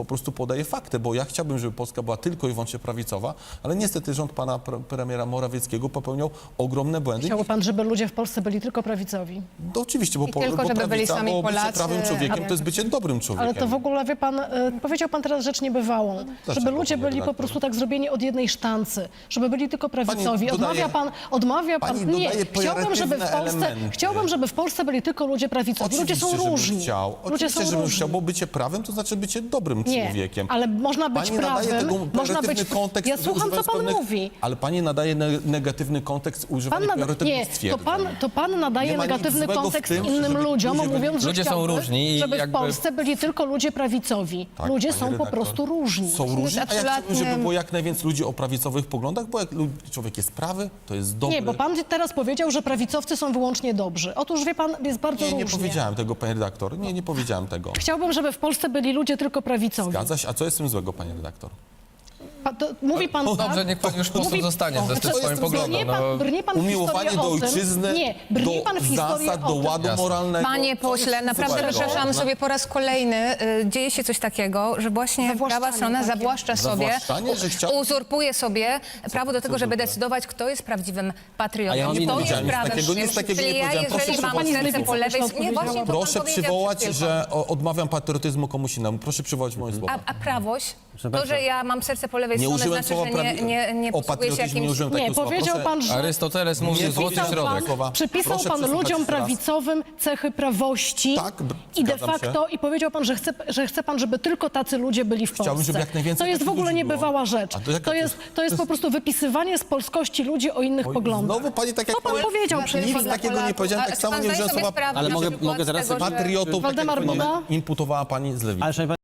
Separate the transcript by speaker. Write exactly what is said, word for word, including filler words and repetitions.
Speaker 1: Po prostu podaję fakty, bo ja chciałbym, żeby Polska była tylko i wyłącznie prawicowa, ale niestety rząd pana pre premiera Morawieckiego popełniał ogromne błędy.
Speaker 2: Chciałby pan, żeby ludzie w Polsce byli tylko prawicowi?
Speaker 1: No, oczywiście, bo,
Speaker 3: I
Speaker 1: po,
Speaker 3: tylko,
Speaker 1: bo
Speaker 3: żeby byli
Speaker 1: prawica,
Speaker 3: sami
Speaker 1: bo bycie
Speaker 3: Polacy,
Speaker 1: prawym człowiekiem
Speaker 3: a-
Speaker 1: to jest bycie dobrym człowiekiem.
Speaker 2: Ale to w ogóle, wie pan, y, powiedział pan teraz rzecz niebywałą,
Speaker 1: Dlaczego,
Speaker 2: żeby ludzie
Speaker 1: panie
Speaker 2: byli po
Speaker 1: redaktor?
Speaker 2: prostu tak zrobieni od jednej sztancy, żeby byli tylko prawicowi.
Speaker 1: dodaje-
Speaker 2: Odmawia pan, odmawia pan,
Speaker 1: pani
Speaker 2: nie,
Speaker 1: dodaje
Speaker 2: chciałbym, żeby w
Speaker 1: pejoratywne
Speaker 2: Polsce,
Speaker 1: elementy.
Speaker 2: chciałbym, żeby w Polsce byli tylko ludzie prawicowi. Ludzie
Speaker 1: Oczywiście,
Speaker 2: są
Speaker 1: żebym
Speaker 2: różni.
Speaker 1: Chciał.
Speaker 2: Ludzie
Speaker 1: Oczywiście,
Speaker 2: są
Speaker 1: żebym
Speaker 2: różni.
Speaker 1: chciał, bo bycie prawym to znaczy bycie dobrym
Speaker 2: Nie,
Speaker 1: człowiekiem.
Speaker 2: ale można być
Speaker 1: Pani nadaje
Speaker 2: prawym,
Speaker 1: tego
Speaker 2: można być...
Speaker 1: pejoratywny kontekst,
Speaker 2: Ja słucham, co
Speaker 1: używając
Speaker 2: pan
Speaker 1: pewnych-
Speaker 2: mówi.
Speaker 1: Ale pani nadaje ne negatywny kontekst
Speaker 2: Pan
Speaker 1: używania
Speaker 2: nada...
Speaker 1: pejoratywnych
Speaker 2: Nie, to
Speaker 1: stwierdzeń.
Speaker 2: pan, to pan nadaje
Speaker 1: Nie ma nic
Speaker 2: negatywny
Speaker 1: złego w
Speaker 2: kontekst
Speaker 1: tym,
Speaker 2: innym
Speaker 1: żeby
Speaker 2: ludziom,
Speaker 1: ludzie byli-
Speaker 2: mówiąc, że
Speaker 4: Ludzie są
Speaker 2: chciałby,
Speaker 4: różni i
Speaker 2: żeby
Speaker 4: jakby-
Speaker 2: w Polsce byli tylko ludzie prawicowi.
Speaker 1: Tak,
Speaker 2: ludzie
Speaker 1: pani
Speaker 2: są po
Speaker 1: redaktor.
Speaker 2: prostu różni.
Speaker 1: Są różni, a ja chciałbym, żeby
Speaker 3: trzyletnim-
Speaker 1: było jak najwięcej ludzi o prawicowych poglądach, bo jak lu- człowiek jest prawy, to jest dobry.
Speaker 2: Nie, bo pan teraz powiedział, że prawicowcy są wyłącznie dobrzy. Otóż, wie pan, jest bardzo
Speaker 1: Nie, nie
Speaker 2: różnie.
Speaker 1: powiedziałem tego, panie redaktor. Nie, nie powiedziałem tego.
Speaker 2: Chciałbym, żeby w Polsce byli ludzie tylko prawicowi.
Speaker 1: Zgadza się? A co jest z tym złego, panie redaktor?
Speaker 2: Pa, to, mówi pan
Speaker 4: No
Speaker 2: tak?
Speaker 4: dobrze, niech pan już po prostu
Speaker 2: Mówi-
Speaker 4: zostanie
Speaker 2: o,
Speaker 4: ze
Speaker 2: to
Speaker 4: tym swoim
Speaker 2: jest-
Speaker 4: poglądem.
Speaker 2: Brnie pan,
Speaker 4: No.
Speaker 2: brnie pan w
Speaker 1: Umiłowanie
Speaker 2: historię
Speaker 1: do
Speaker 2: o tym-
Speaker 1: ojczyzny,
Speaker 2: Nie, brnie
Speaker 1: do
Speaker 2: pan w historię
Speaker 1: zasad,
Speaker 2: o
Speaker 1: do
Speaker 2: tym.
Speaker 1: ładu
Speaker 4: Jasne.
Speaker 1: moralnego.
Speaker 3: Panie
Speaker 1: Co jest
Speaker 3: pośle, naprawdę
Speaker 1: złego?
Speaker 3: przepraszam sobie po raz kolejny, y, dzieje się coś takiego, że właśnie
Speaker 2: Zawłaszczanie
Speaker 3: prawa strona
Speaker 2: takie.
Speaker 3: zawłaszcza sobie,
Speaker 1: Zawłaszczanie, że chciał-
Speaker 3: uzurpuje sobie prawo do tego,
Speaker 1: co
Speaker 3: żeby
Speaker 1: zwykle?
Speaker 3: decydować, kto jest prawdziwym patriotą.
Speaker 4: A ja mam
Speaker 3: I
Speaker 4: inny
Speaker 3: to jest
Speaker 4: powiedziałem,
Speaker 1: nic
Speaker 3: prawem.
Speaker 1: takiego, nic takiego nie
Speaker 3: Czyli ja,
Speaker 1: powiedziałem. Proszę
Speaker 3: jeżeli mam
Speaker 1: przywołać-
Speaker 3: serce po lewej... Nie, właśnie to pan
Speaker 1: Proszę
Speaker 3: powiedział
Speaker 1: przywołać,
Speaker 3: przed chwilą.
Speaker 1: że o, odmawiam patriotyzmu komuś innemu. Proszę przywołać moje słowa.
Speaker 3: A, a prawość? To, że ja mam serce po lewej
Speaker 1: Nie
Speaker 3: stronie,
Speaker 1: użyłem
Speaker 3: znaczy,
Speaker 1: słowa
Speaker 3: że nie,
Speaker 1: prawi-
Speaker 3: nie, nie
Speaker 1: o
Speaker 3: posługuje się
Speaker 1: patriotyzmie nie
Speaker 3: jakimś...
Speaker 1: użyłem
Speaker 2: Nie,
Speaker 1: takiego słowa.
Speaker 2: powiedział
Speaker 1: Proszę-
Speaker 2: pan, że...
Speaker 4: Arystoteles mówi
Speaker 1: Nie
Speaker 4: złoty
Speaker 1: pisał
Speaker 4: środek.
Speaker 1: słowa.
Speaker 2: Przypisał
Speaker 1: Proszę
Speaker 2: pan
Speaker 1: przesłuchać
Speaker 2: ludziom
Speaker 1: jeszcze raz.
Speaker 2: prawicowym cechy prawości
Speaker 1: Tak, b-
Speaker 2: i de
Speaker 1: zgadzam się.
Speaker 2: facto i powiedział pan, że chce, że chce pan, żeby tylko tacy ludzie byli w
Speaker 1: Chciałbym,
Speaker 2: Polsce.
Speaker 1: żeby jak najwięcej
Speaker 2: to jest w
Speaker 1: takich
Speaker 2: ogóle
Speaker 1: ludzi było.
Speaker 2: niebywała rzecz.
Speaker 1: A to jaka
Speaker 2: To
Speaker 1: to
Speaker 2: jest,
Speaker 1: jest-
Speaker 2: to jest po prostu wypisywanie z polskości ludzi o innych
Speaker 1: Oj,
Speaker 2: poglądach.
Speaker 1: Znowu pani tak jak
Speaker 2: To pan
Speaker 1: powiem-
Speaker 2: powiedział przed
Speaker 1: Nic
Speaker 2: chwilą.
Speaker 1: takiego nie powiedziałem,
Speaker 3: A
Speaker 1: tak
Speaker 3: czy
Speaker 1: samo
Speaker 3: pan
Speaker 1: nie
Speaker 3: zdaje
Speaker 1: użyłem
Speaker 3: sobie
Speaker 1: słowa
Speaker 3: sprawę
Speaker 5: Ale
Speaker 3: na
Speaker 5: mogę-
Speaker 3: przykład
Speaker 5: mogę
Speaker 3: z
Speaker 5: teraz
Speaker 3: tego,
Speaker 5: sobie-
Speaker 3: że-
Speaker 1: patriotów.
Speaker 2: Waldemar
Speaker 1: tak jak
Speaker 2: Buda?
Speaker 1: imputowała pani z lewicy.
Speaker 5: Ale szanowni